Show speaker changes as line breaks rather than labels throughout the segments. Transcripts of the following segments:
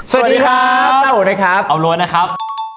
สวัสดีครับเต้าอู๋นะครับ
เอาล้วนนะครับ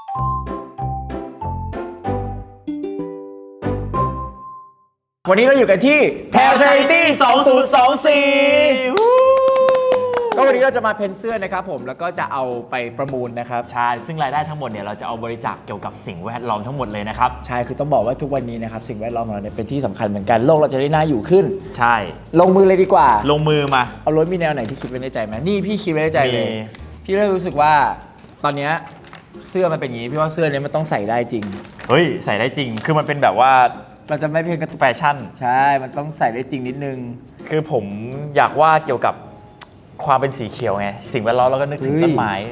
วันนี้เราอยู่กันที่ Pal Charity 2024ก็วันนี้เราจะมาเพ้นเสื้อนะครับผมแล้วก็จะเอาไปประมูลนะครับ
ใช่ซึ่งรายได้ทั้งหมดเนี่ยเราจะเอาบริจาคเกี่ยวกับสิ่งแวดล้อมทั้งหมดเลยนะครับ
ใช่คือต้องบอกว่าทุกวันนี้นะครับสิ่งแวดล้อมของเราเนี่ยเป็นที่สำคัญเหมือนกันโลกเราจะได้น่าอยู่ขึ้น
ใช่
ลงมือเลยดีกว่า
ลงมือมา
เอารถมีแนวไหนที่คิดไว้ในใจไหมนี่พี่คิดไว้ในใจเลยพี่เลยรู้สึกว่าตอนนี้เสื้อมันเป็นอย่างนี้พี่ว่าเสื้อนี้มันต้องใส่ได้จริง
เฮ้ยใส่ได้จริงคือมันเป็นแบบว่า
เราจะไม่เพียงแค่
แฟชั่น
ใช่มันต้องใส่ได้จริงนิดนึง
คือผมอยากว่าเกี่ยวกับความเป็นสีเขียวไงสิ่งแวดล้อมเราก็นึกถึงต้นไม้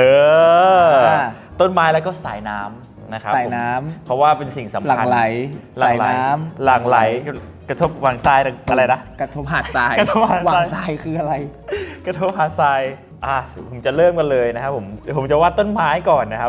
ต้นไม้แล้วก็สายน้ำนะครับ
สายน้ำ
เพราะว่าเป็นสิ่งสำคัญ
หลั่งไหลสายน้
ำหลั่งไหลกระทบวางทรายอะไรนะ
กระทบหาดทราย
วาง
ทรายคืออะไร
กระทบหาดทรายผมจะเริ่มกันเลยนะครับผมจะวาดต้นไม้ก่อนนะครับ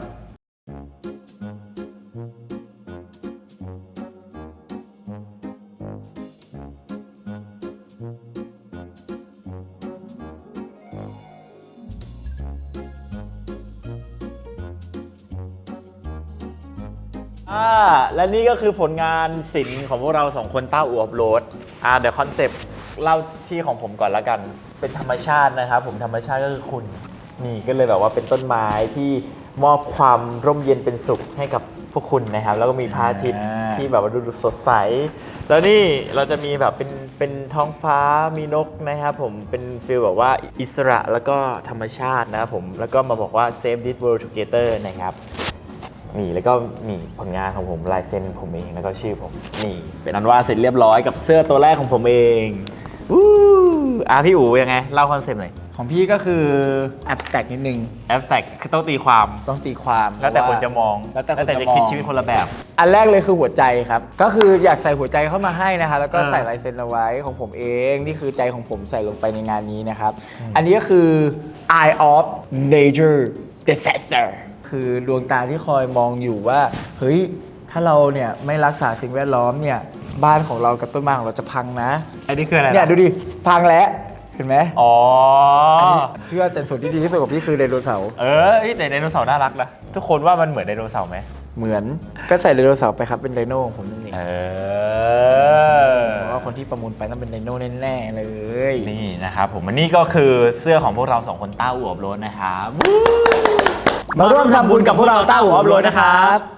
และนี่ก็คือผลงานศิลป์ของพวกเราสองคนต้าอู่อัพโหลดเดี๋ยวคอนเซปต์เล่าที่ของผมก่อนละกันเป็นธรรมชาตินะครับผมธรรมชาติก็คือคุณนี่ก็เลยแบบว่าเป็นต้นไม้ที่มอบความร่มเย็นเป็นสุขให้กับพวกคุณนะครับแล้วก็มีพระอาทิตย์ที่แบบว่าดูสดใสแล้วนี่เราจะมีแบบเป็นท้องฟ้ามีนกนะครับผมเป็นฟีลแบบว่าอิสระแล้วก็ธรรมชาตินะครับผมแล้วก็มาบอกว่า save this world together นะครับนี่แล้วก็มีผลงานของผมลายเซ็นผมเองแล้วก็ชื่อผมนี่เป็นอันว่าเสร็จเรียบร้อยกับเสื้อตัวแรกของผมเองพี่อู๋ยังไงเล่าคอนเซ็ปต์หน่อย
ของพี่ก็คือ abstract นิดนึง
abstract คือต้องตีความแล้วแต่คนจะมอง
แล้วแต่
จะคิดชีวิตคนละแบบ
อันแรกเลยคือหัวใจครับก็คืออยากใส่หัวใจเข้ามาให้นะคะแล้วก็ใส่ลายเซ็นเอาไว้ของผมเองนี่คือใจของผมใส่ลงไปในงานนี้นะครับอันนี้ก็คือ Eye of Nature Disasterคือดวงตาที่คอยมองอยู่ว่าเฮ้ยถ้าเราเนี่ยไม่รักษาสิ่งแวดล้อมเนี่ยบ้านของเรากับต้นไม้ของเราจะพังนะ
อันนี้คืออะไร
เนี่ยดูดิพังแล้วเห็นไหม
อ๋อ
เชื่อแต่ส่วนที่ดีที่สุดของพี่คือไดโนเสาร์
แต่ไดโนเสาร์น่ารักนะทุกคนว่ามันเหมือนไดโนเสาร์ไหม
เหมือนก็ใส่ไดโนเสาร์ไปครับเป็นไดโนของผมนั่นเองเพราะว่าคนที่ประมูลไปต้องเป็นไดโนแน่ๆเลย
นี่นะครับผมอันนี้ก็คือเสื้อของพวกเราสองคนต้าอู่อัพโหลดนะครับ
มาร่วมทำบุญกับพวกเราต้าอู่อัพโหลดนะครับ